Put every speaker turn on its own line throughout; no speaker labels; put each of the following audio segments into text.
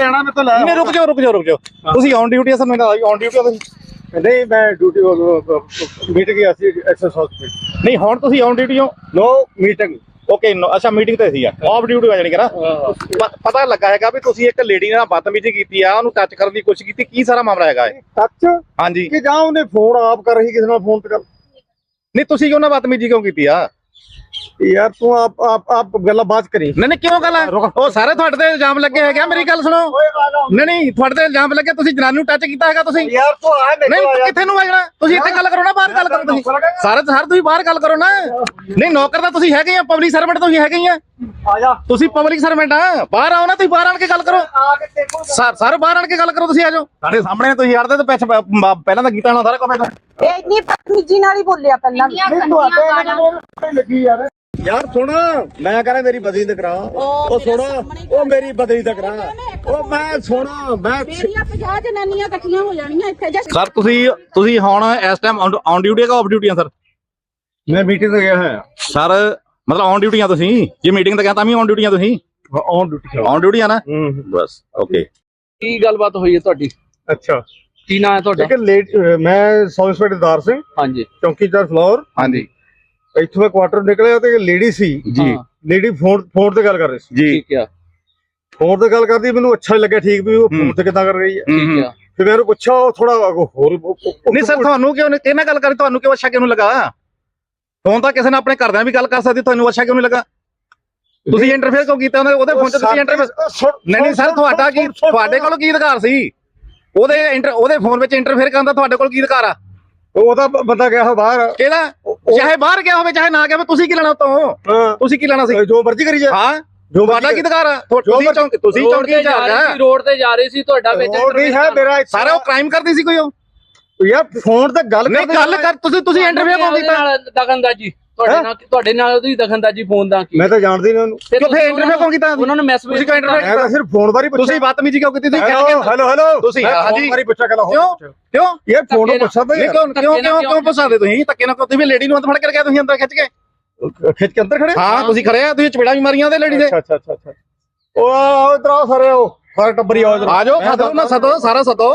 ਲੈਣਾ ਮੈਂ ਤਾਂ ਲੈ
ਨਹੀਂ ਰੁਕ ਜਾਓ ਤੁਸੀਂ ਔਨ ਡਿਊਟੀ ਆ ਸਰ ਮੈਨੂੰ ਔਨ ਡਿਊਟੀ ਆ ਤੁਸੀਂ
ਨਹੀਂ ਮੈਂ ਡਿਊਟੀ ਮੀਟਿੰਗ ਗਿਆ ਸੀ ਐਕਸੈਸ ਹਸਪੀਟਲ
ਨਹੀਂ ਹੁਣ ਤੁਸੀਂ ਔਨ ਡਿਊਟੀ ਹੋ
ਨੋ ਮੀਟਿੰਗ
ਓਕੇ ਅੱਛਾ ਮੀਟਿੰਗ ਤੇ ਸੀ ਆ ਆਫ ਡਿਊਟੀ ਆ ਜਾਣੀ ਕਿ ਨਾ ਪਤਾ ਲੱਗਾ ਹੈਗਾ ਵੀ ਤੁਸੀਂ ਇੱਕ ਲੇਡੀ ਨਾਲ ਬਦਤਮੀਜ਼ੀ ਕੀਤੀ ਆ ਉਹਨੂੰ ਟੱਚ ਕਰਨ ਦੀ ਕੋਸ਼ਿਸ਼ ਕੀਤੀ ਕੀ ਸਾਰਾ ਮਾਮਲਾ ਹੈਗਾ ਇਹ
ਟੱਚ
ਹਾਂਜੀ
ਕਿ ਜਾਂ ਉਹਨੇ ਫੋਨ ਆਪ ਕਰ ਰਹੀ ਕਿਸੇ ਨਾਲ ਫੋਨ ਤੇ ਗੱਲ
ਨਹੀਂ ਤੁਸੀਂ ਉਹਨਾਂ ਬਦਤਮੀਜ਼ੀ ਕਿਉਂ ਕੀਤੀ ਆ
ਯਾਰ ਤੂੰ ਆਪ ਗੱਲਾਂ ਬਾਤ ਕਰੀ
ਨਹੀਂ ਕਿਉਂ ਗੱਲ ਉਹ ਸਾਰੇ ਤੁਹਾਡੇ ਤੇ ਇਲਜ਼ਾਮ ਲੱਗੇ ਹੈਗੇ ਆ ਮੇਰੀ ਗੱਲ ਸੁਣੋ ਨਹੀਂ ਤੁਹਾਡੇ ਤੇ ਇਲਜ਼ਾਮ ਲੱਗੇ ਤੁਸੀਂ ਜਨਾਨੀ ਨੂੰ ਟੱਚ ਕੀਤਾ ਹੈਗਾ ਤੁਸੀਂ
ਯਾਰ ਤੂੰ ਆ
ਨਹੀਂ ਕਿੱਥੇ ਨੂੰ ਆ ਜਾਣਾ ਤੁਸੀਂ ਇੱਥੇ ਗੱਲ ਕਰੋ ਨਾ ਬਾਹਰ ਗੱਲ ਕਰੋ ਤੁਸੀਂ ਸਾਰੇ ਤੁਸੀਂ ਬਾਹਰ ਗੱਲ ਕਰੋ ਨਾ ਨਹੀਂ ਨੌਕਰ ਤਾਂ ਤੁਸੀਂ ਹੈਗੇ ਆ ਪਬਲਿਕ ਸਰਵੈਂਟ ਤੁਸੀਂ ਹੈਗੇ ਆ
ਜਾ
ਤੁਸੀਂ ਪਬਲਿਕ ਸਰਵੈਂਟ ਆ ਬਾਹਰ ਆਓ ਨਾ ਤੁਸੀਂ ਬਾਹਰ ਆਣ ਕੇ ਗੱਲ ਕਰੋ ਸਾਰੇ ਬਾਹਰ ਆਣ ਕੇ ਗੱਲ ਕਰੋ ਤੁਸੀਂ ਆ ਜਾਓ ਸਾਡੇ ਸਾਹਮਣੇ ਤੁਸੀਂ ਹੜਦੇ ਤੇ ਪਹਿਲਾਂ ਤਾਂ ਕੀਤਾ ਨਾ ਸਾਰਾ ਕੰਮ
ਇਹ ਇੰਨੀ ਬਦਤਮੀਜ਼ੀ ਨਾਲ ਹੀ ਬੋਲਿਆ ਪਹਿਲਾਂ
ਲੱਗੀ ਯਾਰ ਸੁਣ ਮੈਂ ਕਹਿੰਦਾ ਮੇਰੀ ਬਦਲੀ ਤੇ ਕਰਾ ਉਹ ਸੁਣ ਉਹ ਮੇਰੀ ਬਦਲੀ ਤੇ ਕਰਾ ਉਹ ਮੈਂ ਸੁਣ ਮੈਂ
ਮੇਰੀਆਂ 50 ਜਨਾਨੀਆਂ ਇਕੱਠੀਆਂ ਹੋ ਜਾਣੀਆਂ ਇੱਥੇ ਜਾਂ
ਸਰ ਤੁਸੀਂ ਹੁਣ ਇਸ ਟਾਈਮ ਔਨ ਡਿਊਟੀ ਆ ਆਫ ਡਿਊਟੀ ਆ ਸਰ
ਮੈਂ ਮੀਟਿੰਗ ਤੇ ਗਿਆ ਹਾਂ
ਸਰ ਮਤਲਬ ਔਨ ਡਿਊਟੀ ਆ ਤੁਸੀਂ ਜੇ ਮੀਟਿੰਗ ਤੇ ਗਿਆ ਤਾਂ ਵੀ ਔਨ ਡਿਊਟੀ ਆ ਤੁਸੀਂ ਔਨ ਡਿਊਟੀ ਆ ਨਾ ਬਸ ਓਕੇ
ਕੀ ਗੱਲਬਾਤ ਹੋਈ ਹੈ ਤੁਹਾਡੀ
ਅੱਛਾ
ਕੀ ਨਾਂ ਹੈ ਤੁਹਾਡਾ
ਮੈਂ ਸਬ ਇੰਸਪੈਕਟਰ ਦਾਰ ਸਿੰਘ
ਹਾਂਜੀ
ਚੌਂਕੀਦਾਰ ਫਲੋਰ
ਹਾਂਜੀ
ਇੱਥੋਂ ਮੈਂ ਕੁਆਟਰ ਨਿਕਲਿਆ ਤੇ ਲੇਡੀ ਸੀ
ਜੀ
ਲੇਡੀ ਫੋਨ ਤੇ ਗੱਲ ਕਰ ਰਹੀ ਸੀ
ਜੀ
ਠੀਕ ਆ
ਫੋਨ ਤੇ ਗੱਲ ਕਰਦੀ ਮੈਨੂੰ ਅੱਛਾ ਲੱਗਿਆ ਠੀਕ ਵੀ ਉਹ ਫੋਨ ਤੇ ਕਿੱਦਾਂ ਕਰ ਰਹੀ ਹੈ
ਠੀਕ ਆ
ਫਿਰ ਮੈਨੂੰ ਪੁੱਛਿਆ ਉਹ ਥੋੜਾ ਹੋਰ
ਨਹੀਂ ਸਰ ਤੁਹਾਨੂੰ ਕਿਉਂ ਕਿਹਨਾਂ ਗੱਲ ਕਰੀ ਤੁਹਾਨੂੰ ਕਿਉਂ ਅੱਛਾ ਕਿਉਂ ਲੱਗਾ ਫੋਨ ਤਾਂ ਕਿਸੇ ਨੇ ਆਪਣੇ ਘਰਦਿਆਂ ਵੀ ਗੱਲ ਕਰ ਸਕਦੀ ਤੁਹਾਨੂੰ ਅੱਛਾ ਕਿਉਂ ਨਹੀਂ ਲੱਗਾ ਤੁਸੀਂ ਇੰਟਰਫੇਅਰ ਕਿਉਂ ਕੀਤਾ ਉਹਦੇ ਫੋਨ ਤੇ ਤੁਸੀਂ ਇੰਟਰਫੇਅਰ ਨਹੀਂ ਸਰ ਤੁਹਾਡਾ ਕੀ ਤੁਹਾਡੇ ਕੋਲ ਕੀ ਅਧਿਕਾਰ ਸੀ ਉਹਦੇ ਫੋਨ ਵਿੱਚ ਇੰਟਰਫੇਅਰ ਕਰਨ ਦਾ ਤੁਹਾਡੇ ਕੋਲ ਕੀ ਅਧਿਕਾਰ ਆ
ਉਹਦਾ ਬੰਦਾ ਗਿਆ ਬਾਹਰ
ਕਿਹਦਾ ਚਾਹੇ ਬਾਹਰ ਗਿਆ ਹੋਵੇ ਚਾਹੇ ਨਾ ਗਿਆ ਤੁਸੀਂ ਕੀ ਲੈਣਾ ਉਤੋਂ ਤੁਸੀਂ ਕੀ ਲੈਣਾ ਸੀ
ਜੋ ਮਰਜ਼ੀ ਕਰੀ ਜਾ
ਹਾਂ ਤੁਹਾਡਾ ਕੀ ਅਧਿਕਾਰ ਆ ਤੁਸੀਂ ਚੌਂਕੀ
ਰੋਡ ਤੇ ਜਾ ਰਹੀ ਸੀ ਤੁਹਾਡਾ ਵਿੱਚ
ਨਹੀਂ ਹੈ ਮੇਰਾ
ਸਾਰੇ ਉਹ ਕ੍ਰਾਈਮ ਕਰਦੀ ਸੀ ਕੋਈ ਉਹ
ਯਾਰ ਫੋਨ ਤੇ ਗੱਲ
ਕਰ ਤੁਸੀਂ ਇੰਟਰਵਿਊ ਕਿਉਂ ਕੀਤਾ
ਦਖਲਅੰਦਾਜ਼ੀ ਤੁਹਾਡੇ ਨਾਲ ਉਹਦੀ ਦਖਲਅੰਦਾਜ਼ੀ ਫੋਨ ਦਾ ਕੀ
ਮੈਂ ਤਾਂ ਜਾਣਦੀ ਨਹੀਂ ਉਹਨੂੰ
ਕਿਉਂ ਫੇਰ ਇੰਟਰਵਿਊ ਕਿਉਂ ਕੀਤਾ
ਉਹਨਾਂ ਨੂੰ ਮੈਸੇਜ
ਤੁਸੀਂ ਕਿਉਂ ਇੰਟਰਵਿਊ
ਮੈਂ ਤਾਂ ਸਿਰਫ ਫੋਨ ਬਾਰੇ ਪੁੱਛਿਆ
ਤੁਸੀਂ ਬਦਤਮੀਜ਼ੀ ਕਿਉਂ ਕੀਤੀ ਤੁਸੀਂ
ਹੈਲੋ
ਤੁਸੀਂ ਹਾਂਜੀ
ਬਾਰੇ ਪੁੱਛਿਆ ਗੱਲ
ਕਿਉਂ
ਇਹ ਫੋਨ ਨੂੰ ਪੁੱਛਾ ਤਾਂ
ਕਿਉਂ ਪੁੱਛਾਦੇ ਤੁਸੀਂ ਧੱਕੇ ਨਾਲ ਤੁਸੀਂ ਵੀ ਲੇਡੀ ਨੂੰ ਅੰਦਰ ਫੜ ਕੇ ਗਿਆ ਤੁਸੀਂ ਅੰਦਰ ਖਿੱਚ ਕੇ
ਅੰਦਰ ਖੜੇ
ਹਾਂ ਤੁਸੀਂ ਖੜੇ ਆ ਤੁਸੀਂ ਚਪੇੜਾ ਵੀ ਮਾਰੀਆਂ ਉਹਦੇ ਲੇਡੀ ਦੇ
ਅੱਛਾ ਉਹ ਇਧਰ ਆਓ ਸਾਰੇ ਟੱਬਰੀ ਆਓ
ਆ ਜਾਓ ਸਦੋ ਸਾਰਾ ਸਦੋ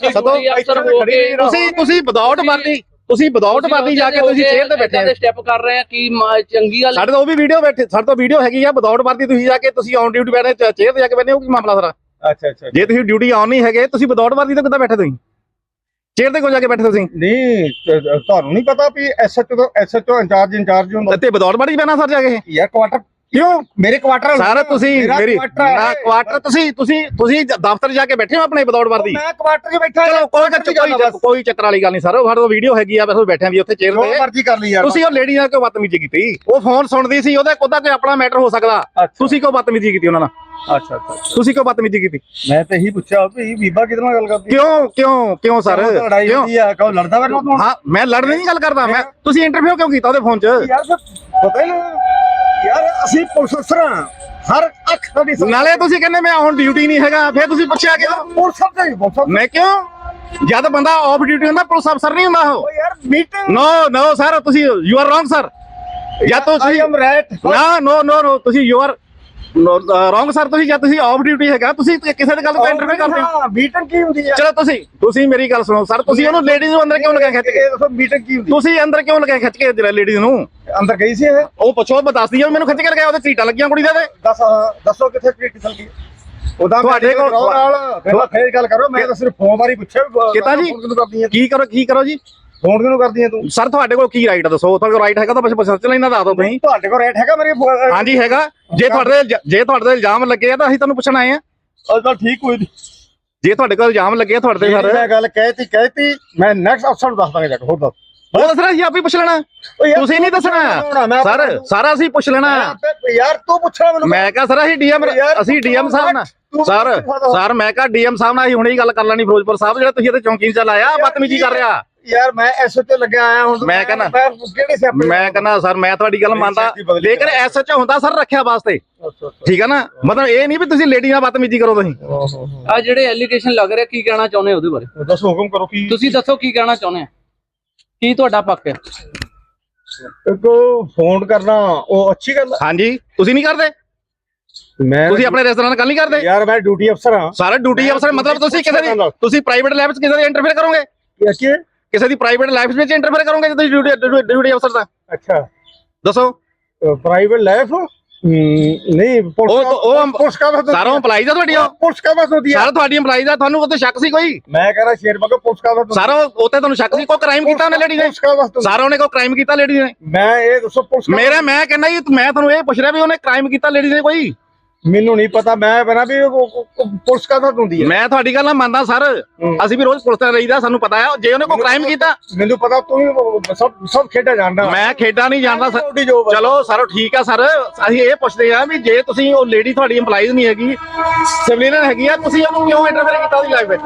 ਤੁਸੀਂ ਵਿਦਆਊਟ ਵਰਦੀ ਜਾ ਕੇ ਤੁਸੀਂ ਚੇਅਰ ਤੇ ਬੈਠੇ
ਸਟੈਪ ਕਰ ਰਹੇ ਆ ਕੀ ਚੰਗੀ ਗੱਲ
ਸਾਡੇ ਤੋਂ ਉਹ ਵੀ ਵੀਡੀਓ ਬੈਠੇ ਸਾਡੇ ਤੋਂ ਵੀਡੀਓ ਹੈਗੀ ਆ ਵਿਦਆਊਟ ਵਰਦੀ ਤੁਸੀਂ ਜਾ ਕੇ ਤੁਸੀਂ ਔਨ ਡਿਊਟੀ ਬੈਠੇ ਚੇਅਰ ਤੇ ਜਾ ਕੇ ਬੈਠੇ ਹੋ ਕੀ ਮਾਮਲਾ ਸਾਰਾ
ਅੱਛਾ
ਜੇ ਤੁਸੀਂ ਡਿਊਟੀ ਆਨ ਨਹੀਂ ਹੈਗੇ ਤੁਸੀਂ ਵਿਦਆਊਟ ਵਰਦੀ ਤੇ ਕਿੱਦਾਂ ਬੈਠੇ ਤੁਸੀਂ ਚੇਅਰ ਤੇ ਕਿਉਂ ਜਾ ਕੇ ਬੈਠੇ ਤੁਸੀਂ
ਨਹੀਂ ਤੁਹਾਨੂੰ ਨਹੀਂ ਪਤਾ ਵੀ ਐਸਐਚਓ ਇੰਚਾਰਜ ਹੁੰਦਾ
ਤੇ ਵਿਦਆਊਟ ਵਰਦੀ ਬੈਣਾ ਸਰ ਜਾ ਕੇ
ਯਾਰ ਕੁਆਟਰ
ਕਿਉਂ
ਮੇਰੇ ਕੁਆਟਰ
ਸਾਰਾ ਤੁਸੀਂ ਮੇਰੀ ਕੁਆਟਰ ਤੁਸੀਂ ਦਫ਼ਤਰ ਜਾ ਕੇ ਬੈਠੇ ਹੋ ਆਪਣੇ ਵਿਦਆਊਟ ਵਰਦੀ
ਮੈਂ ਕੁਆਟਰ 'ਚ ਬੈਠਾ
ਚਲੋ ਕੋਈ ਚੱਕਰ ਵਾਲੀ ਗੱਲ ਨਹੀਂ ਸਰ ਸਾਡੇ ਕੋਲ ਵੀਡੀਓ ਹੈਗੀ ਆ ਬਸ ਬੈਠਿਆਂ ਦੀ ਉੱਥੇ ਚੇਅਰ ਤੇ
ਮਰਜ਼ੀ ਕਰ ਲਈ ਯਾਰ
ਤੁਸੀਂ ਉਹ ਲੇਡੀ ਨਾਲ ਕਿਉਂ ਬਦਤਮੀਜ਼ੀ ਕੀਤੀ ਉਹ ਫੋਨ ਸੁਣਦੀ ਸੀ ਉਹਦਾ ਕੋਈ ਆਪਣਾ ਮੈਟਰ ਹੋ ਸਕਦਾ ਤੁਸੀਂ ਕਿਉਂ ਬਦਤਮੀਜ਼ੀ ਕੀਤੀ ਉਹਨਾਂ ਨਾਲ
ਅੱਛਾ
ਤੁਸੀਂ ਕਿਉਂ ਬਦਤਮੀਜ਼ੀ ਕੀਤੀ
ਮੈਂ ਤਾਂ ਇਹੀ ਪੁੱਛਿਆ ਵੀ ਬੀਬਾ ਕਿਹਦੇ ਨਾਲ ਗੱਲ ਕਰਦੀ
ਕਿਉਂ ਸਰ
ਲੜਾਈ ਹੁੰਦੀ ਆ ਕਹੋ ਲੜਦਾ ਮੇਰੇ ਨਾਲ
ਹਾਂ ਮੈਂ ਲੜਨ ਦੀ ਗੱਲ ਕਰਦਾ ਮੈਂ ਤੁਸੀਂ ਇੰਟਰਵਿਊ ਕਿਉਂ ਕੀਤਾ ਉਹਦੇ ਫੋਨ 'ਚ
ਯਾਰ ਪਤਾ ਹੀ ਯਾਰ ਅਸੀਂ ਪੁਲਿਸ ਅਫਸਰ ਹਰ ਅੱਖ ਸਾਡੀ
ਨਾਲੇ ਤੁਸੀਂ ਕਹਿੰਦੇ ਮੈਂ ਔਨ ਡਿਊਟੀ ਨਹੀਂ ਹੈਗਾ ਫਿਰ ਤੁਸੀਂ ਪੁੱਛਿਆ ਕਿਉਂ
ਪੁਲਿਸ ਅਫਸਰ ਮੈਂ
ਕਿਉਂ ਜਦ ਬੰਦਾ ਆਫ ਡਿਊਟੀ ਹੁੰਦਾ ਪੁਲਿਸ ਅਫਸਰ ਨਹੀਂ ਹੁੰਦਾ ਉਹ
ਯਾਰ ਮੀਟਿੰਗ
ਨੋ ਸਰ ਤੁਸੀਂ ਯੂ ਆਰ ਰੋਂਗ ਸਰ ਜਾਂ ਤੁਸੀਂ ਨੋ ਤੁਸੀਂ ਯੂ ਆਰ ਰੋਂਗ ਸਰ ਤੁਸੀਂ ਜਾਂ ਤੁਸੀਂ ਆਫ ਡਿਊਟੀ ਹੈਗਾ ਤੁਸੀਂ ਕਿਸੇ ਦੀ ਗੱਲ ਤੋਂ ਇੰਟਰਵਿਊ ਕਰਦੇ ਹੋ
ਮੀਟਿੰਗ ਕੀ ਹੁੰਦੀ ਹੈ
ਚਲੋ ਤੁਸੀਂ ਮੇਰੀ ਗੱਲ ਸੁਣੋ ਸਰ ਤੁਸੀਂ ਉਹਨੂੰ ਲੇਡੀਜ਼ ਨੂੰ ਅੰਦਰ ਕਿਉਂ ਲਗਾ ਖਿੱਚ ਕੇ
ਦੱਸੋ ਮੀਟਿੰਗ ਕੀ ਹੁੰਦੀ
ਤੁਸੀਂ ਅੰਦਰ ਕਿਉਂ ਲਗਾ ਖਿੱਚ ਕੇ ਜਿਹੜਾ ਲੇਡੀਜ਼ ਨੂੰ
ਅੰਦਰ ਗਈ ਸੀ ਇਹ
ਉਹ ਪੁੱਛੋ ਮੈਂ ਦੱਸਦੀ ਆ ਮੈਨੂੰ ਖਿੱਚ ਕੇ ਲਗਾਇਆ ਉਹਦੇ ਸੀਟਾਂ ਲੱਗੀਆਂ ਕੁੜੀ ਦੇ
ਦੱਸੋ ਕਿੱਥੇ ਟ੍ਰੀਟ ਚੱਲ ਗਈ ਉਹਦਾ
ਤੁਹਾਡੇ ਕੋਲ
ਨਾਲ ਫੇਰ ਗੱਲ ਕਰੋ ਮੈਂ ਤਾਂ ਸਿਰਫ ਫੋਨ ਬਾਰੇ ਪੁੱਛਿਆ
ਕਿਤਾ ਜੀ ਕੀ ਕਰੋ ਜੀ
ਫੋਨ ਕਿਉਂ ਕਰਦੀ ਹੈ ਤੂੰ
ਸਰ ਤੁਹਾਡੇ ਕੋਲ ਕੀ ਰਾਈਟ ਦੱਸੋ ਤੁਹਾਡੇ ਕੋਲ ਰਾਈਟ ਹੈਗਾ ਤਾਂ ਬਸ ਸਰਚ ਲੈਣਾ ਦੱਸ ਦਿਓ ਤੁਸੀਂ
ਤੁਹਾਡੇ ਕੋਲ ਰਾਈਟ ਹੈਗਾ ਮੇਰੇ
ਹਾਂਜੀ ਹੈਗਾ ਜੇ ਤੁਹਾਡੇ ਤੇ ਇਲਜ਼ਾਮ ਲੱਗੇ ਆ ਤਾਂ ਅਸੀਂ ਤੁਹਾਨੂੰ ਪੁੱਛਣ ਆਏ ਆ
ਤਾਂ ਠੀਕ ਹੋਈ
ਜੇ ਤੁਹਾਡੇ ਕੋਲ ਇਲਜ਼ਾਮ ਲੱਗੇ ਆ ਤੁਹਾਡੇ ਤੇ ਸਰ
ਮੈਂ ਗੱਲ ਕਹਿਤੀ ਮੈਂ ਨੈਕਸਟ ਅਫਸਰ ਨੂੰ ਦੱਸ ਦਾਂਗਾ ਜਾ ਕੇ ਹੋਰ ਦੱਸ
ਉਹ ਦੱਸਣਾ ਸੀ ਆਪ ਹੀ ਪੁੱਛ ਲੈਣਾ ਤੁਸੀਂ ਨਹੀਂ ਦੱਸਣਾ ਸਰ ਸਾਰਾ ਅਸੀਂ ਪੁੱਛ ਲੈਣਾ
ਯਾਰ ਤੂੰ ਪੁੱਛਣਾ ਮੈਨੂੰ
ਮੈਂ ਕਹਾਂ ਸਰ ਅਸੀਂ ਡੀਐਮ ਸਾਹਿਬ ਨਾਲ ਸਰ ਮੈਂ ਕਹਾਂ ਡੀਐਮ ਸਾਹਿਬ ਨਾਲ ਅਸੀਂ ਹੁਣੇ ਹੀ ਗੱਲ ਕਰ ਲੈਣੀ ਫਿਰੋਜ਼ਪੁਰ ਸਾਹਿਬ ਜਿਹੜਾ ਤੁਸੀਂ ਇੱਥੇ ਚੌਂਕੀ 'ਚ ਲਾਇਆ ਬਦਤਮੀਜ਼ੀ ਕਰ ਰਿਹਾ
ਯਾਰ ਮੈਂ ਐਸਐਚਓ ਲੱਗਿਆ ਆਇਆ ਹੁਣ
ਮੈਂ ਕਹਿੰਦਾ
ਕਿਹੜੇ ਸਿਆਪੇ
ਮੈਂ ਕਹਿੰਦਾ ਸਰ ਮੈਂ ਤੁਹਾਡੀ ਗੱਲ ਮੰਨਦਾ ਲੇਕਿਨ ਐਸਐਚਓ ਹੁੰਦਾ ਸਰ ਰੱਖਿਆ ਵਾਸਤੇ ਠੀਕ ਹੈ ਨਾ ਮਤਲਬ ਇਹ ਨਹੀਂ ਵੀ ਤੁਸੀਂ ਲੇਡੀ ਨਾਲ ਬਦਤਮੀਜ਼ੀ ਕਰੋ ਤੁਸੀਂ
ਆ ਜਿਹੜੇ ਐਲੀਗੇਸ਼ਨ ਲੱਗ ਰਿਹਾ ਕੀ ਕਹਿਣਾ ਚਾਹੁੰਦੇ ਉਹਦੇ ਬਾਰੇ
ਦੱਸੋ ਹੁਕਮ ਕਰੋ ਕੀ
ਤੁਸੀਂ ਦੱਸੋ ਕੀ ਕਹਿਣਾ ਚਾਹੁੰਦੇ ਆ ਕੀ ਤੁਹਾਡਾ ਪੱਕ ਹੈ
ਇੱਕ ਫੋਨ ਕਰਨਾ ਉਹ ਅੱਛੀ ਗੱਲ
ਹਾਂਜੀ ਤੁਸੀਂ ਨਹੀਂ ਕਰਦੇ ਤੁਸੀਂ ਆਪਣੇ ਰਿਸ਼ਤੇਦਾਰਾਂ ਨਾਲ ਗੱਲ ਨਹੀਂ ਕਰਦੇ
ਯਾਰ ਮੈਂ ਡਿਊਟੀ ਅਫਸਰ ਹਾਂ।
ਸਾਰੇ ਡਿਊਟੀ ਅਫਸਰ ਮਤਲਬ ਤੁਸੀਂ ਕਿਸੇ ਦੀ ਤੁਸੀਂ ਪ੍ਰਾਈਵੇਟ ਲਾਈਫ 'ਚ ਕਿਸੇ ਦੀ ਇੰਟਰਫੇਅਰ ਕਰੋਗੇ? ਕਿਸੇ ਦੀ ਪ੍ਰਾਈਵੇਟ ਲਾਈਫ ਵਿੱਚ ਇੰਟਰਫੇਅਰ ਕਰੋਗੇ ਜੇ ਤੁਸੀਂ ਡਿਊਟੀ ਅਫਸਰ ਦਾ?
ਅੱਛਾ
ਦੱਸੋ।
ਪ੍ਰਾਈਵੇਟ ਲਾਈਫ ਨਹੀਂ ਪੁਲਿਸ ਕਾ ਬਸ
ਸਾਰਾ EMPLOYEES ਆ ਤੁਹਾਡੀ?
ਪੁਲਿਸ ਕਾ ਬਸ ਹੁੰਦੀ ਹੈ
ਸਾਰਾ ਤੁਹਾਡੀ EMPLOYEES ਆ। ਤੁਹਾਨੂੰ ਉੱਤੇ ਸ਼ੱਕ ਸੀ ਕੋਈ?
ਮੈਂ ਕਹ ਰਿਹਾ ਸ਼ੇਰ ਬਗਾ ਪੁਲਿਸ ਕਾ ਬਸ
ਸਾਰਾ ਉੱਤੇ ਤੁਹਾਨੂੰ ਸ਼ੱਕ ਸੀ? ਕੋਈ ਕ੍ਰਾਈਮ ਕੀਤਾ ਉਹਨੇ ਲੇਡੀ ਨੇ? ਸਾਰਾ ਉਹਨੇ ਕੋਈ ਕ੍ਰਾਈਮ ਕੀਤਾ ਲੇਡੀ ਨੇ?
ਮੈਂ ਇਹ ਦੱਸੋ ਪੁਲਿਸ
ਮੈਂ ਕਹਿੰਦਾ ਜੀ ਮੈਂ ਤੁਹਾਨੂੰ ਇਹ ਪੁੱਛ ਰਿਹਾ ਵੀ ਉਹਨੇ ਕ੍ਰਾਈਮ ਕੀਤਾ ਲੇਡੀ ਨੇ ਕੋਈ?
ਮੈਨੂੰ ਨਹੀਂ ਪਤਾ। ਮੈਂ ਬਣਾ ਵੀ ਪੁਲਿਸ ਕਾ ਬਸ ਹੁੰਦੀ ਹੈ।
ਮੈਂ ਤੁਹਾਡੀ ਗੱਲ ਨਾਲ ਮੰਨਦਾ ਸਰ। ਅਸੀਂ ਵੀ ਰੋਜ਼ ਪੁਲਿਸ ਨਾਲ ਰਹੀਦਾ, ਸਾਨੂੰ ਪਤਾ ਹੈ ਜੇ ਉਹਨੇ ਕੋਈ ਕ੍ਰਾਈਮ ਕੀਤਾ।
ਮੈਨੂੰ ਪਤਾ ਤੂੰ ਸਭ ਖੇਡਾਂ ਜਾਣਦਾ।
ਮੈਂ ਖੇਡਾਂ ਨਹੀਂ ਜਾਣਦਾ ਸਰ। ਚਲੋ ਸਰ ਠੀਕ ਆ ਸਰ। ਅਸੀਂ ਇਹ ਪੁੱਛਦੇ ਆ ਵੀ ਜੇ ਤੁਸੀਂ ਉਹ ਲੇਡੀ ਤੁਹਾਡੀ EMPLOYEES ਨਹੀਂ ਹੈਗੀ, ਸਿਵਲੀਅਨ ਹੈਗੀ ਆ, ਤੁਸੀਂ ਉਹਨੂੰ ਕਿਉਂ ਇੰਟਰਫੇਅਰ ਕੀਤਾ ਉਹਦੀ ਲਾਈਫ ਵਿੱਚ?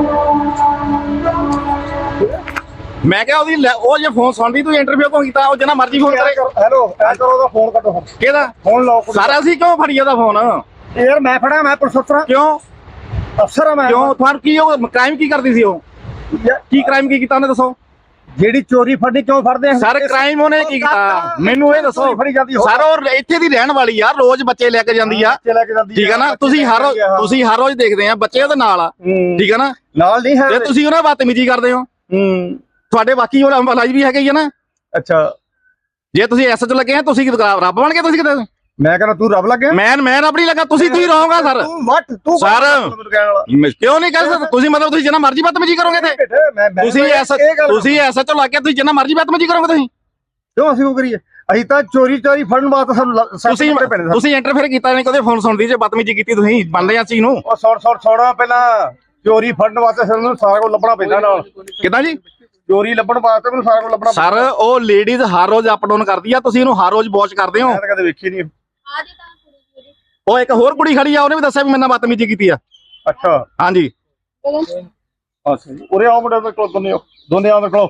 ਮੈਂ ਕਿਹਾ ਉਹ ਜੇ ਫੋਨ ਸੁਣਦੀ ਤੂੰ ਇੰਟਰਵਿਊ ਕਿਉਂ ਕੀਤਾ? ਉਹ ਜਿੰਨਾ ਮਰਜ਼ੀ ਫੋਨ ਕਰੇ।
ਹੈਲੋ ਐ ਕਰੋ ਉਹਦਾ ਫੋਨ ਕੱਟੋ।
ਕਿਹਦਾ
ਫੋਨ ਲਾਓ
ਸਾਰਾ? ਅਸੀਂ ਕਿਉਂ ਫੜੀ ਉਹਦਾ ਫੋਨ?
ਯਾਰ ਮੈਂ ਫੜਾ, ਮੈਂ ਪੁਲਿਸ ਅਫਸਰ
ਕਿਉਂ?
ਅਫਸਰ ਆ ਮੈਂ।
ਕਿਉਂ ਤੁਹਾਨੂੰ ਕੀ ਉਹ ਕ੍ਰਾਈਮ ਕੀ ਕਰਦੀ ਸੀ? ਉਹ ਕੀ ਕ੍ਰਾਈਮ ਕੀ ਕੀਤਾ ਉਹਨੇ ਦੱਸੋ?
ਜਿਹੜੀ ਚੋਰੀ ਫੜਨੀ ਕਿਉਂ ਫੜਦੇ ਆ
ਸਰ? ਕ੍ਰਾਈਮ ਉਹਨੇ ਕੀ ਕੀਤਾ ਮੈਨੂੰ ਇਹ ਦੱਸੋ ਸਰ? ਉਹ ਇੱਥੇ ਦੀ ਰਹਿਣ ਵਾਲੀ ਆ, ਰੋਜ਼ ਬੱਚੇ ਲੈ ਕੇ ਜਾਂਦੀ ਆ, ਠੀਕ ਆ ਨਾ? ਤੁਸੀਂ ਹਰ ਰੋਜ਼ ਦੇਖਦੇ ਆ ਬੱਚੇ ਉਹਦੇ ਨਾਲ ਆ, ਠੀਕ ਆ ਨਾ?
ਨਾਲ ਨਹੀਂ ਹੈ
ਤੇ ਤੁਸੀਂ ਉਹਨਾਂ ਬਦਤਮੀਜ਼ੀ ਕਰਦੇ ਹੋ। ਤੁਹਾਡੇ ਬਾਕੀ ਹੋਰ EMPLOYEES ਵੀ ਹੈਗੇ ਹੀ ਆ ਨਾ?
ਅੱਛਾ
ਜੇ ਤੁਸੀਂ SHO ਲੱਗੇ ਆ, ਤੁਸੀਂ ਰੱਬ ਬਣ ਕੇ ਤੁਸੀਂ ਕਿਤੇ?
ਮੈਂ ਕਹਿੰਦਾ ਤੂੰ ਰੱਬ ਲੱਗਿਆ।
ਮੈਂ ਰੱਬ ਨਹੀਂ ਲੱਗਾ। ਤੁਸੀਂ ਰਹੋਗਾ ਸਰ।
ਤੂੰ
ਸਰ ਕਿਉਂ ਨਹੀਂ ਕਰ ਸਕਦੇ ਤੁਸੀਂ? ਮਤਲਬ ਤੁਸੀਂ ਜਿੰਨਾ ਮਰਜ਼ੀ ਬਦਤਮੀਜ਼ੀ ਕਰੋਗੇ ਤੇ ਤੁਸੀਂ SHO ਲੱਗ ਕੇ ਤੁਸੀਂ ਜਿੰਨਾ ਮਰਜ਼ੀ ਬਦਤਮੀਜ਼ੀ ਕਰੋਗੇ ਤੁਸੀਂ?
ਕਿਉਂ ਅਸੀਂ ਉਹ ਕਰੀਏ? ਅਸੀਂ ਤਾਂ ਚੋਰੀ ਫੜਨ ਵਾਸਤੇ ਸਾਨੂੰ
ਤੁਸੀਂ ਇੰਟਰਫੇਅਰ ਕੀਤਾ ਨਹੀਂ, ਕਦੇ ਫੋਨ ਸੁਣਦੀ ਜੇ ਬਦਤਮੀਜ਼ੀ ਕੀਤੀ ਤੁਸੀਂ ਮੰਨਦੇ ਆ ਚੀਜ਼ ਨੂੰ?
ਉਹ ਛੋੜਾ ਪਹਿਲਾਂ ਚੋਰੀ ਫੜਨ ਵਾਸਤੇ ਸਾਨੂੰ ਸਾਰਾ ਕੁਝ ਲੱਭਣਾ ਪੈਂਦਾ ਨਾਲ।
ਕਿੱਦਾਂ ਜੀ?
ਚੋਰੀ ਲੱਭਣ ਵਾਸਤੇ ਮੈਨੂੰ ਸਾਰਾ ਕੁਝ ਲੱਭਣਾ
ਸਰ ਉਹ ਲੇਡੀਜ਼ ਹਰ ਰੋਜ਼ ਅਪ ਡਾਊਨ ਕਰਦੀ ਆ, ਤੁਸੀਂ ਇਹਨੂੰ ਹਰ ਰੋਜ਼ ਵਾਚ ਕਰਦੇ ਹੋ?
ਮੈਂ ਤਾਂ ਕਦੇ ਵੇਖੀ ਨਹੀਂ।
ਉਹ ਇੱਕ ਹੋਰ ਕੁੜੀ ਖੜੀ ਆ, ਉਹਨੇ ਵੀ ਦੱਸਿਆ ਵੀ ਮੇਰੇ ਨਾਲ ਬਦਤਮੀਜ਼ੀ ਕੀਤੀ ਆ।
ਅੱਛਾ
ਹਾਂਜੀ
ਅੱਛਾ ਜੀ। ਉਰੇ ਆਓ ਮੁੰਡੇ ਦੇ ਕੋਲ, ਦੋਨੇ ਆਓ ਦੇਖੋ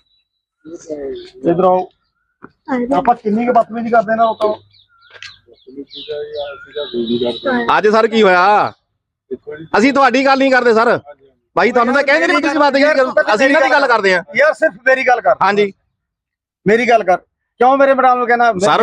ਇਧਰ ਆਓ। ਆਪਾਂ ਕਿੰਨੀ ਕੁ ਬਦਤਮੀਜ਼ੀ ਕਰਦੇ ਨਾ ਲੋਕਾਂ ਨੂੰ।
ਅੱਜ ਸਰ ਕੀ ਹੋਇਆ? ਅਸੀਂ ਤੁਹਾਡੀ ਗੱਲ ਨਹੀਂ ਕਰਦੇ ਸਰ ਭਾਈ, ਤੁਹਾਨੂੰ ਤਾਂ ਕਹਿੰਦੇ ਨਹੀਂ ਤੁਸੀਂ ਬਦਤਮੀਜ਼ੀ ਕਰੋ। ਅਸੀਂ ਇਹਨਾਂ ਦੀ ਗੱਲ ਕਰਦੇ ਆ
ਯਾਰ। ਸਿਰਫ ਮੇਰੀ ਗੱਲ ਕਰ।
ਹਾਂਜੀ
ਮੇਰੀ ਗੱਲ ਕਰ। ਕਿਉਂ ਮੇਰੇ ਮੈਡਮ ਨੂੰ ਕਹਿਣਾ?
ਸਰ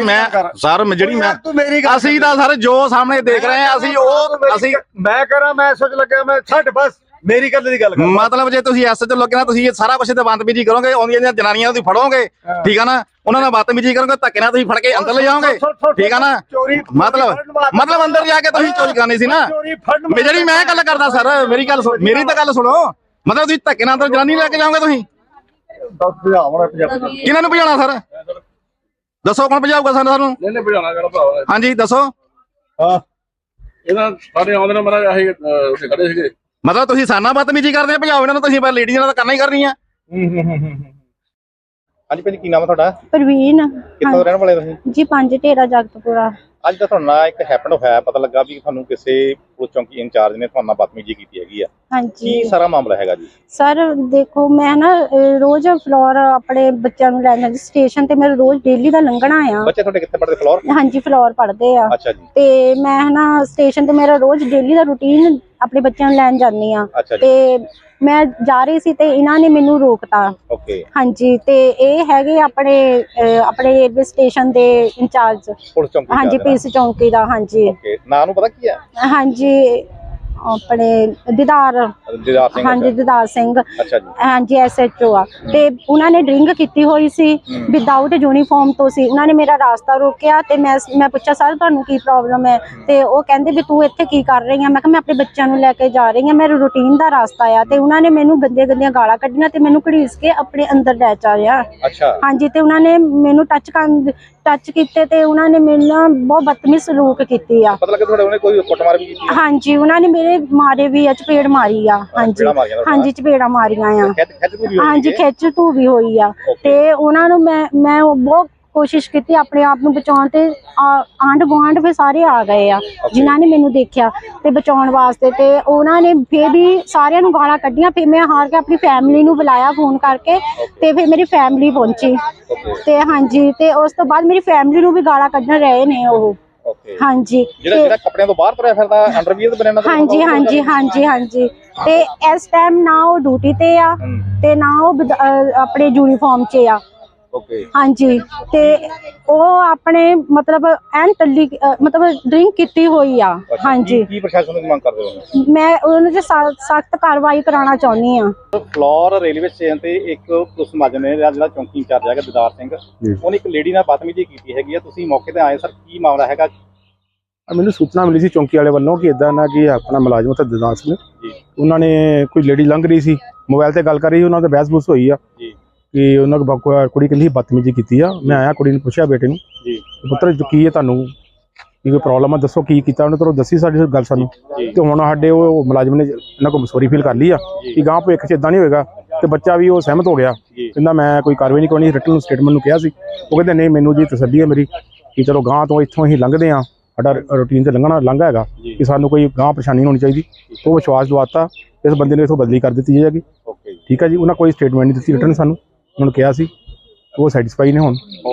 ਅਸੀਂ ਤਾਂ ਸਰ ਜੋ ਸਾਹਮਣੇ ਦੇਖ ਰਹੇ ਆ ਅਸੀਂ
ਮੈਂ ਕਰਾਂ ਮੈਂ ਸੋਚ ਲੱਗਿਆ ਮੈਂ ਛੱਡ ਬਸ ਮੇਰੀ ਗੱਲ ਦੀ ਗੱਲ ਕਰ।
ਮਤਲਬ ਜੇ ਤੁਸੀਂ SHO ਲੱਗੇ ਨਾ, ਤੁਸੀਂ ਇਹ ਸਾਰਾ ਕੁਝ ਤੇ ਬਦਤਮੀਜ਼ੀ ਕਰੋਗੇ, ਆਉਂਦੀਆਂ ਜਨਾਨੀਆਂ ਤੁਸੀਂ ਫੜੋਗੇ, ਠੀਕ ਆ ਨਾ? ਉਹਨਾਂ ਨਾਲ ਬਦਤਮੀਜ਼ੀ ਕਰੋਗੇ, ਧੱਕੇ ਨਾਲ ਤੁਸੀਂ ਫੜ ਕੇ ਅੰਦਰ ਲੈ ਜਾਓਗੇ, ਠੀਕ ਆ ਨਾ? ਮਤਲਬ ਅੰਦਰ ਜਾ ਕੇ ਤੁਸੀਂ ਚੋਰੀ ਕਰਨੀ ਸੀ ਨਾ? ਜਿਹੜੀ ਮੈਂ ਗੱਲ ਕਰਦਾ ਸਰ, ਮੇਰੀ ਤਾਂ ਗੱਲ ਸੁਣੋ। ਮਤਲਬ ਤੁਸੀਂ ਧੱਕੇ ਨਾਲ ਅੰਦਰ ਜਨਾਨੀ ਲੈ ਕੇ ਜਾਓਗੇ ਤੁਸੀਂ? ਕਿਹਨਾਂ ਨੂੰ ਭਜਾਉਣਾ ਸਰ? ਦੱਸੋ ਕੌਣ ਭਜਾਊਗਾ ਸਾਨੂੰ?
ਨਹੀਂ ਭਜਾਉਣਾ ਕਿਹੜਾ ਭਰਾ?
ਹਾਂਜੀ ਦੱਸੋ।
ਹਾਂ
ਇਹਨਾਂ ਸਾਡੇ ਆਉਂਦੇ ਨੇ ਮਹਾਰਾਜ ਆਹੀ ਉੱਥੇ ਖੜੇ ਸੀਗੇ।
ਮਤਲਬ ਤੁਸੀਂ ਸਾਨਾ ਬਦਤਮੀਜ਼ੀ ਕਰਦੇ ਆ, ਭਜਾਓ ਇਹਨਾਂ ਨੂੰ ਤੁਸੀਂ? ਪਰ ਲੇਡੀਜ਼ ਨਾਲ ਤਾਂ ਕਰਨਾ ਹੀ ਕਰਨੀ ਆ।
ਹਾਂਜੀ ਭੈਣ, ਕੀ ਨਾਮ ਹੈ ਤੁਹਾਡਾ?
ਪ੍ਰਵੀਨ।
ਕਿੱਥੋਂ ਰਹਿਣ ਵਾਲੇ ਤੁਸੀਂ?
ਜੀ 5 ਢੇਰਾ ਜਗਤਪੁਰਾ।
ਅੱਜ ਤਾਂ ਤੁਹਾਡਾ ਨਾਲ ਇੱਕ ਹੈਪਨ ਹੋਇਆ, ਪਤਾ ਲੱਗਾ ਵੀ ਤੁਹਾਨੂੰ ਕਿਸੇ ਪੁਲਿਸ ਚੌਂਕੀ ਇੰਚਾਰਜ ਨੇ ਤੁਹਾਡੇ ਨਾਲ ਬਦਤਮੀਜ਼ੀ ਕੀਤੀ ਹੈਗੀ ਆ।
ਹਾਂਜੀ
ਕੀ ਸਾਰਾ ਮਾਮਲਾ ਹੈਗਾ ਜੀ?
ਸਰ ਦੇਖੋ, ਮੈਂ ਨਾ ਰੋਜ਼ ਫਲੋਰ ਆਪਣੇ ਬੱਚਿਆਂ ਨੂੰ ਲੈਣ ਜਾਂਦੀ ਸਟੇਸ਼ਨ ਤੇ। ਮੇਰਾ ਰੋਜ਼ ਡੇਲੀ ਦਾ ਲੰਘਣਾ ਆ।
ਬੱਚੇ ਤੁਹਾਡੇ ਕਿੱਥੇ ਪੜ੍ਹਦੇ? ਫਲੋਰ?
ਹਾਂਜੀ ਫਲੋਰ ਪੜ੍ਹਦੇ ਆ।
ਅੱਛਾ ਜੀ।
ਤੇ ਮੈਂ ਨਾ ਸਟੇਸ਼ਨ ਤੇ ਮੇਰਾ ਰੋਜ਼ ਡੇਲੀ ਦਾ ਰੂਟੀਨ ਆਪਣੇ ਬੱਚਿਆਂ ਨੂੰ ਲੈਣ ਜਾਂਦੀ ਆ। ਤੇ ਮੈਂ ਜਾ ਰਹੀ ਸੀ ਤੇ ਇਹਨਾਂ ਨੇ ਮੈਨੂੰ ਰੋਕਤਾ।
ਓਕੇ।
ਹਾਂਜੀ ਤੇ ਇਹ ਹੈਗੇ ਆਪਣੇ ਰੇਲਵੇ ਸਟੇਸ਼ਨ ਦੇ ਇੰਚਾਰਜ।
ਪੁਲਿਸ ਚੌਂਕੀ?
ਹਾਂਜੀ ਪੀਸ ਚੌਂਕੀ ਦਾ। ਹਾਂਜੀ
ਓਕੇ। ਨਾਂ ਨੂੰ ਪਤਾ ਕੀ ਹੈ?
ਹਾਂਜੀ ਆਪਣੇ ਦੀਦਾਰ
ਸਿੰਘ।
ਹਾਂਜੀ ਦੀਦਾਰ ਸਿੰਘ।
ਅੱਛਾ ਜੀ।
ਹਾਂਜੀ SHO ਆ। ਤੇ ਉਹਨਾਂ ਨੇ ਡਰਿੰਕ ਕੀਤੀ ਹੋਈ ਸੀ, ਵਿਦਆਊਟ ਯੂਨੀਫਾਰਮ ਤੋਂ ਸੀ। ਉਹਨਾਂ ਨੇ ਮੇਰਾ ਰਾਸਤਾ ਰੋਕਿਆ ਤੇ ਮੈਂ ਪੁੱਛਿਆ ਸਰ ਤੁਹਾਨੂੰ ਕੀ ਪ੍ਰੋਬਲਮ ਹੈ? ਤੇ ਉਹ ਕਹਿੰਦੇ ਵੀ ਤੂੰ ਇੱਥੇ ਕੀ ਕਰ ਰਹੀ ਆ? ਮੈਂ ਕਿਹਾ ਮੈਂ ਆਪਣੇ ਬੱਚਿਆਂ ਨੂੰ ਲੈ ਕੇ ਜਾ ਰਹੀ ਆ, ਮੇਰਾ ਰੂਟੀਨ ਦਾ ਰਾਸਤਾ ਆ। ਤੇ ਉਹਨਾਂ ਨੇ ਮੈਨੂੰ ਗੰਦੀਆਂ ਗਾਲਾਂ ਕੱਢੀਆਂ ਤੇ ਮੈਨੂੰ ਘੜੀਸ ਕੇ ਆਪਣੇ ਅੰਦਰ ਲੈ ਚਾਰਿਆ।
ਅੱਛਾ।
ਹਾਂਜੀ ਤੇ ਉਹਨਾਂ ਨੇ ਮੈਨੂੰ ਟੱਚ ਕੀਤੇ ਤੇ ਉਹਨਾਂ ਨੇ ਮੇਰੇ ਨਾਲ ਬਹੁਤ ਬਦਤਮੀਜ਼ ਸਲੂਕ ਕੀਤੀ ਆ।
ਪਤਾ ਲੱਗਾ ਤੁਹਾਡੇ ਉਹਨੇ ਕੋਈ ਕੁੱਟਮਾਰ ਵੀ ਕੀਤੀ?
ਹਾਂਜੀ ਉਹਨਾਂ ਨੇ ਮੇਰੇ ਮਾਰੇ ਵੀ ਆ, ਚਪੇੜ ਮਾਰੀ ਆ। ਹਾਂਜੀ ਚਪੇੜਾਂ ਮਾਰੀਆਂ ਆ। ਹਾਂਜੀ ਖਿੱਚ ਧੂ ਵੀ ਹੋਈ ਆ। ਤੇ ਉਹਨਾਂ ਨੂੰ ਮੈਂ ਬਹੁਤ ਕੋਸ਼ਿਸ਼ ਕੀਤੀ ਆਪਣੇ ਆਪ ਨੂੰ ਬਚਾਉਣ ਤੇ ਆਂਢ ਗੁਆਂਢ ਵੀ ਸਾਰੇ ਆ ਗਏ ਆ ਜਿਨ੍ਹਾਂ ਨੇ ਮੈਨੂੰ ਦੇਖਿਆ ਤੇ ਬਚਾਉਣ ਵਾਸਤੇ। ਤੇ ਉਹਨਾਂ ਨੇ ਫੇਰ ਵੀ ਸਾਰਿਆਂ ਨੂੰ ਗਾਲਾਂ ਕੱਢੀਆਂ। ਫਿਰ ਮੈਂ ਹਾਰ ਕੇ ਆਪਣੀ ਫੈਮਿਲੀ ਨੂੰ ਬੁਲਾਇਆ ਫੋਨ ਕਰਕੇ ਤੇ ਫਿਰ ਮੇਰੀ ਫੈਮਿਲੀ ਪਹੁੰਚੀ। ਤੇ ਹਾਂਜੀ ਤੇ ਉਸ ਤੋਂ ਬਾਅਦ ਮੇਰੀ ਫੈਮਿਲੀ ਨੂੰ ਵੀ ਗਾਲਾਂ ਕੱਢਣ ਰਹੇ ਨੇ ਉਹ। ਹਾਂਜੀ
ਜਿਹੜਾ ਕੱਪੜਿਆਂ ਤੋਂ ਬਾਹਰ ਤੁਰਿਆ ਫਿਰਦਾ ਅੰਡਰਵੀਅਰ ਬਣਾਉਣਾ?
ਹਾਂਜੀ ਤੇ ਇਸ ਟਾਈਮ ਨਾ ਉਹ ਡਿਊਟੀ ਤੇ ਆ ਤੇ ਨਾ ਉਹ ਆਪਣੇ ਯੂਨੀਫਾਰਮ 'ਚ ਆ।
ਓਕੇ
ਹਾਂਜੀ ਤੇ ਉਹ ਆਪਣੇ ਮਤਲਬ ਐਨ ਟੱਲੀ ਮਤਲਬ ਡਰਿੰਕ ਕੀਤੀ ਹੋਈ ਆ। ਹਾਂਜੀ
ਕੀ ਪ੍ਰਸ਼ਾਸਨ ਨੂੰ ਮੰਗ ਕਰਦੇ ਹੋ?
ਮੈਂ ਉਹਨਾਂ ਤੇ ਸਖਤ ਕਾਰਵਾਈ ਕਰਾਉਣਾ ਚਾਹੁੰਦੀ ਆ।
ਫਲੋਰ ਰੇਲਵੇ ਸਟੇਸ਼ਨ ਤੇ ਇੱਕ ਪੁਲਿਸ ਮੁਲਾਜ਼ਮ ਨੇ ਜਿਹੜਾ ਚੌਂਕੀ ਇੰਚਾਰਜ ਹੈਗਾ ਦਿਦਾਰ ਸਿੰਘ, ਉਹਨੇ ਇੱਕ ਲੇਡੀ ਨਾਲ ਬਦਤਮੀਜ਼ੀ ਕੀਤੀ ਹੈਗੀ ਆ। ਤੁਸੀਂ ਮੌਕੇ ਤੇ ਆਏ ਸਰ, ਕੀ ਮਾਮਲਾ ਹੈਗਾ?
ਮੈਨੂੰ ਸੂਚਨਾ ਮਿਲੀ ਸੀ ਚੌਂਕੀ ਵਾਲੇ ਵੱਲੋਂ ਕਿ ਇਦਾਂ ਨਾ ਕਿ ਆਪਣਾ ਮੁਲਾਜ਼ਮ ਉੱਥੇ ਦਿਦਾਰ ਸਿੰਘ ਉਹਨਾਂ ਨੇ ਕੋਈ ਲੇਡੀ ਲੰਘ ਰਹੀ ਸੀ, ਮੋਬਾਈਲ ਤੇ ਗੱਲ ਕਰ ਰਹੀ, ਉਹਨਾਂ ਦਾ ਬਹਿਸ-ਬੂਸ ਹੋਈ ਆ ਕਿ ਉਹਨਾਂ ਕੋਲ ਕੁੜੀ ਕਹਿੰਦੀ ਬਦਤਮੀਜ਼ੀ ਕੀਤੀ ਆ। ਮੈਂ ਆਇਆ, ਕੁੜੀ ਨੂੰ ਪੁੱਛਿਆ ਬੇਟੇ ਨੂੰ ਪੁੱਤਰ ਕੀ ਹੈ, ਤੁਹਾਨੂੰ ਕੀ ਕੋਈ ਪ੍ਰੋਬਲਮ ਆ, ਦੱਸੋ ਕੀ ਕੀਤਾ। ਉਹਨੇ ਤੁਹਾਨੂੰ ਦੱਸੀ ਸਾਡੀ ਗੱਲ ਸਾਨੂੰ, ਤੇ ਹੁਣ ਸਾਡੇ ਉਹ ਮੁਲਾਜ਼ਮ ਨੇ ਇਹਨਾਂ ਕੋਲ ਮਸੂਰੀ ਫੀਲ ਕਰ ਲਈ ਆ ਕਿ ਗਾਂਹ ਭਵਿੱਖ 'ਚ ਇਦਾਂ ਨਹੀਂ ਹੋਏਗਾ। ਤੇ ਬੱਚਾ ਵੀ ਉਹ ਸਹਿਮਤ ਹੋ ਗਿਆ, ਕਹਿੰਦਾ ਮੈਂ ਕੋਈ ਕਾਰਵਾਈ ਨਹੀਂ ਕਰਨੀ। ਰਿਟਨ ਸਟੇਟਮੈਂਟ ਨੂੰ ਕਿਹਾ ਸੀ, ਉਹ ਕਹਿੰਦੇ ਨਹੀਂ ਮੈਨੂੰ ਜੀ ਤਸੱਲੀ ਹੈ ਮੇਰੀ ਕਿ ਚਲੋ ਗਾਂਹ ਤੋਂ ਇੱਥੋਂ ਅਸੀਂ ਲੰਘਦੇ ਹਾਂ, ਸਾਡਾ ਰੂਟੀਨ 'ਤੇ ਲੰਘਾ ਹੈਗਾ ਕਿ ਸਾਨੂੰ ਕੋਈ ਗਾਂਹ ਪਰੇਸ਼ਾਨੀ ਨਹੀਂ ਹੋਣੀ ਚਾਹੀਦੀ। ਉਹ ਵਿਸ਼ਵਾਸ ਦਵਾਤਾ, ਇਸ ਬੰਦੇ ਨੂੰ ਇੱਥੋਂ ਬਦਲੀ ਕਰ ਦਿੱਤੀ ਜਾਏਗੀ। ਠੀਕ ਹੈ ਜੀ, ਉਹਨਾਂ ਕੋਈ ਸਟੇਟਮੈਂਟ ਨਹੀਂ ਦਿੱਤੀ ਰਿਟਨ ਸਾਨੂੰ, ਉਹਨਾਂ ਨੂੰ ਕਿਹਾ ਸੀ, ਉਹ ਸੈਟੀਸਫਾਈ ਨੇ ਹੁਣ।